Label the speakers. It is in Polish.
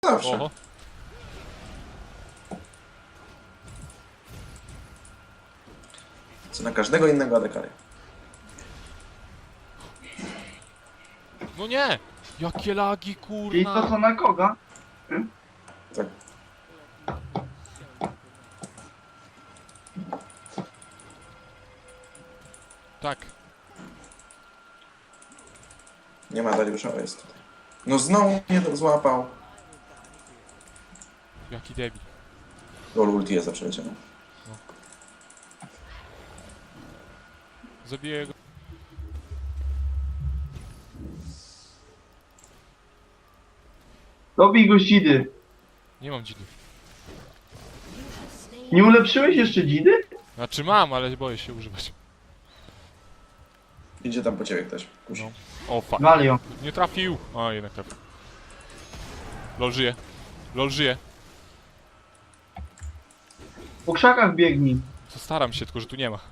Speaker 1: Zawsze.
Speaker 2: Oho.
Speaker 1: Co na każdego innego adekaria.
Speaker 2: No nie! Jakie lagi,
Speaker 3: Czyli to
Speaker 2: kurna!
Speaker 3: co na koga?
Speaker 1: Tak.
Speaker 2: Tak.
Speaker 1: Nie ma Dariusza, o jest tutaj. No znowu mnie to złapał.
Speaker 2: Jaki debil.
Speaker 1: Lol, ulti jest za przeleciano.
Speaker 2: Zabiję go.
Speaker 3: Dobij go z dzidy.
Speaker 2: Nie mam dzidy.
Speaker 3: Nie ulepszyłeś jeszcze dzidy?
Speaker 2: Znaczy mam, ale boję się używać.
Speaker 1: Idzie tam po ciebie ktoś. Kusi.
Speaker 2: No. O fuck.
Speaker 3: Walio.
Speaker 2: Nie trafił! A, jednak trafił. LOL żyje. LOL żyje.
Speaker 3: Po krzakach biegnij.
Speaker 2: Co staram się, tylko że tu nie ma.